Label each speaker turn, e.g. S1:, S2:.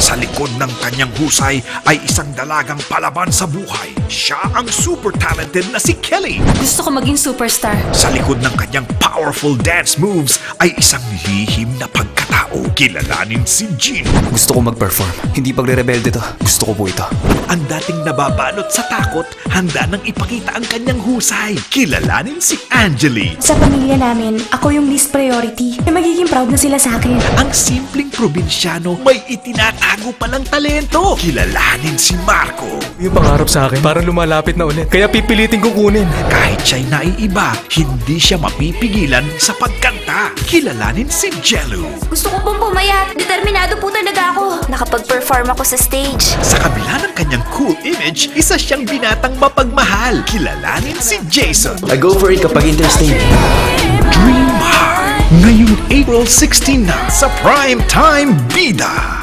S1: Sa likod ng kanyang husay ay isang dalagang palaban sa buhay. Siya ang super talented na si Kelly.
S2: Gusto ko maging superstar.
S1: Sa likod ng kanyang powerful dance moves ay isang lihim na pagkatao. Kilalanin si Gino.
S3: Gusto ko mag-perform. Hindi pagre-rebelde to. Gusto ko po ito.
S1: Ang dating nababalot sa takot, handa nang ipakita ang kanyang husay. Kilalanin si Angeli.
S4: Sa pamilya namin, ako yung least priority. Magiging proud na sila sa akin.
S1: Ang simpleng probinsyano may itinatago palang talento. Kilalanin si Marco.
S3: Yung pangarap sa akin, parang lumalapit na ulit. Kaya pipilitin kong kunin.
S1: Kahit siya'y naiiba, hindi siya mapipigilan sa pagkanta. Kilalanin si Jello.
S5: Gusto ko pong pumayat. Determinado po talaga ako. Nakapag-perform ako sa stage.
S1: Sa kabila ng kanyang cool image, isa siyang binatang mapagmahal. Kilalanin si Jason.
S3: I go for it kapag interstate.
S1: Dream Hard. Ngayong April 16 na sa Prime Time Bida.